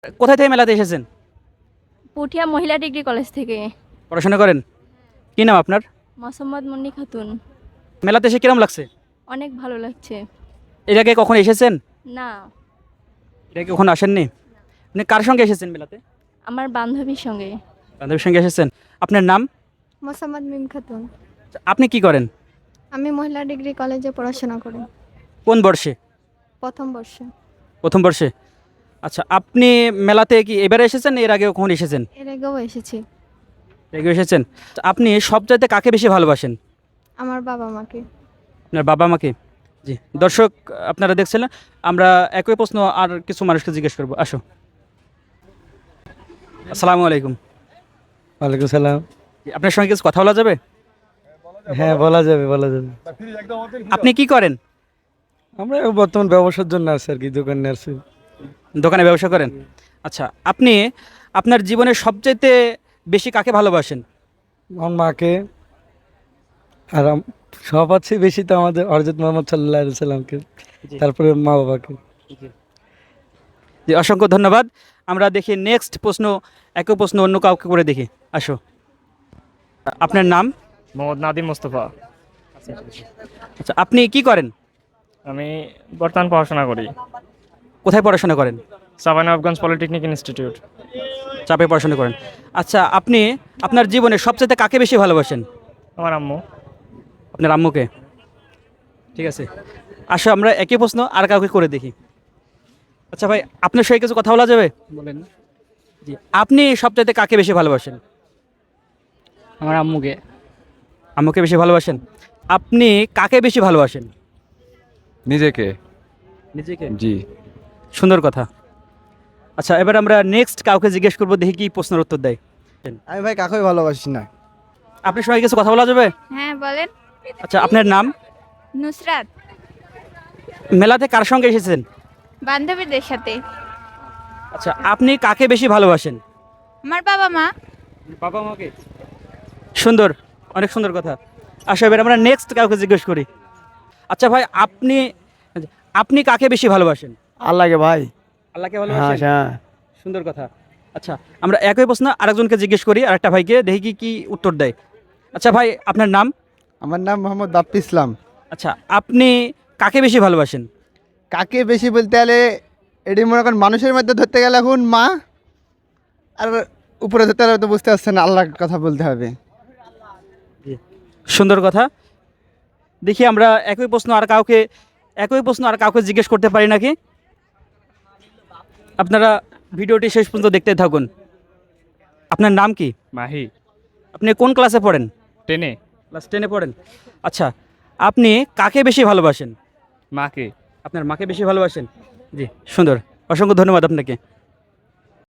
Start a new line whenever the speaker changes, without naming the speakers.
কোথায় থেকে মেলাতে এসেছেন?
পুঠিয়া মহিলা ডিগ্রি কলেজ থেকে।
পড়াশোনা করেন? কি নাম আপনার?
মোসাম্মদ মুন্নি খাতুন।
মেলাতে এসে কিরম লাগছে?
অনেক ভালো লাগছে।
এর আগে কখনো এসেছেন?
না,
এর আগে কখনো আসেননি? আপনি কার সঙ্গে এসেছেন মেলাতে?
আমার বান্ধবীর সঙ্গে।
বান্ধবীর সঙ্গে এসেছেন। আপনার নাম?
মোসাম্মদ মিম খাতুন।
আপনি কি করেন?
আমি মহিলা ডিগ্রি কলেজে পড়াশোনা করি,
কোন বর্ষে?
প্রথম বর্ষে।
প্রথম বর্ষে। আচ্ছা, আপনি মেলাতে কি এবারে এসেছেন, এর আগে কখনো এসেছেন?
এর আগেও এসেছি।
এর আগে এসেছেন। আপনি সবচাইতে কাকে বেশি ভালোবাসেন?
আমার বাবা মাকে।
আপনার বাবা মাকে। জি, দর্শক আপনারা দেখছিলেন, আমরা একই প্রশ্ন আর কিছু মানুষকে জিজ্ঞেস করবো। আসো। আসসালামু আলাইকুম।
ওয়ালাইকুম সালাম।
জি, আপনার সঙ্গে কিছু কথা বলা যাবে?
হ্যাঁ, বলা যাবে বলা যাবে।
আপনি কি করেন?
আমরা বর্তমান ব্যবসার জন্য আসছি আর কি, দোকানে আসছি।
দোকানে ব্যবসা করেন। আচ্ছা, আপনি আপনার জীবনে সবচাইতে বেশি কাকে ভালোবাসেন?
আমার মাকে, আর সবার চেয়ে বেশি তো আমাদের হযরত মুহাম্মদ সাল্লাল্লাহু আলাইহি সাল্লামকে,
জি।
তারপরে মা বাবাকে।
জি, অসংখ্য ধন্যবাদ। আমরা দেখি নেক্সট প্রশ্ন, একই প্রশ্ন অন্য কাউকে করে দেখি। আসো। আপনার নাম?
মোহাম্মদ নাদিম মোস্তফা।
আচ্ছা, আপনি কি করেন?
আমি বর্তমান পড়াশোনা করি
কোথায় পড়াশোনা করেন?
Savar Nawabganj polytechnic institute.
চাপে পড়াশোনা করেন। আচ্ছা, আপনি আপনার জীবনে সবচাইতে কাকে বেশি ভালোবাসেন?
আমার আম্মু।
আপনার আম্মুকে। ঠিক আছে, আসো আমরা একই প্রশ্ন আর কাউকে করে দেখি। আচ্ছা ভাই, আপনার সঙ্গে কিছু কথা বলা যাবে?
বলেন।
জি, আপনি সবচাইতে কাকে বেশি ভালোবাসেন?
আমার আম্মুকে।
আম্মুকে বেশি ভালোবাসেন। আপনি কাকে বেশি ভালোবাসেন?
নিজেকে।
নিজেকে।
জি।
সুন্দর কথা। আচ্ছা, এবার আমরা নেক্সট কাউকে জিজ্ঞেস করবো, দেখি কি প্রশ্নের উত্তর দেয়।
আমি ভাই কাকেই ভালোবাসি না।
আপনার সঙ্গে কিছু কথা বলা যাবে?
হ্যাঁ বলেন।
আচ্ছা, আপনার নাম?
নুসরাত।
মেলাতে কার সঙ্গে এসেছেন?
বান্ধবীদের সাথে।
আচ্ছা, আপনি কাকে বেশি ভালোবাসেন?
আমার বাবা মা।
বাবা মাকে। সুন্দর, অনেক সুন্দর কথা। আচ্ছা, এবার আমরা নেক্সট কাউকে জিজ্ঞেস করি। আচ্ছা ভাই, আপনি আপনি কাকে বেশি ভালোবাসেন?
আল্লাহকে ভাই।
আল্লাহকে
হ্যাঁ
ভালোবাসেন।
হ্যাঁ।
সুন্দর কথা। আচ্ছা, আমরা একই প্রশ্ন আরেকজনকে জিজ্ঞেস করি, আরেকটা ভাইকে, দেখি কি কি উত্তর দেয়। আচ্ছা ভাই, আপনার নাম?
আমার নাম মোহাম্মদ বাপ্পি ইসলাম।
আচ্ছা, আপনি কাকে বেশি ভালোবাসেন?
কাকে বেশি বলতে গেলে এটি মনে করেন মানুষের মধ্যে ধরতে গেলে এখন মা, আর উপরে ধরতে গেলে তো বুঝতে পারছেন আল্লাহর কথা বলতে হবে।
সুন্দর কথা। দেখি আমরা একই প্রশ্ন আর কাউকে জিজ্ঞেস করতে পারি নাকি। আপনারা ভিডিওটি শেষ পর্যন্ত দেখতে থাকুন। আপনার নাম কি?
মাহি।
আপনি কোন ক্লাসে পড়েন?
10-এ।
ক্লাস 10-এ পড়েন। আচ্ছা, আপনি কাকে বেশি ভালোবাসেন?
মাকে।
আপনার মাকে বেশি ভালোবাসেন। জি, সুন্দর, অসংখ্য ধন্যবাদ আপনাকে।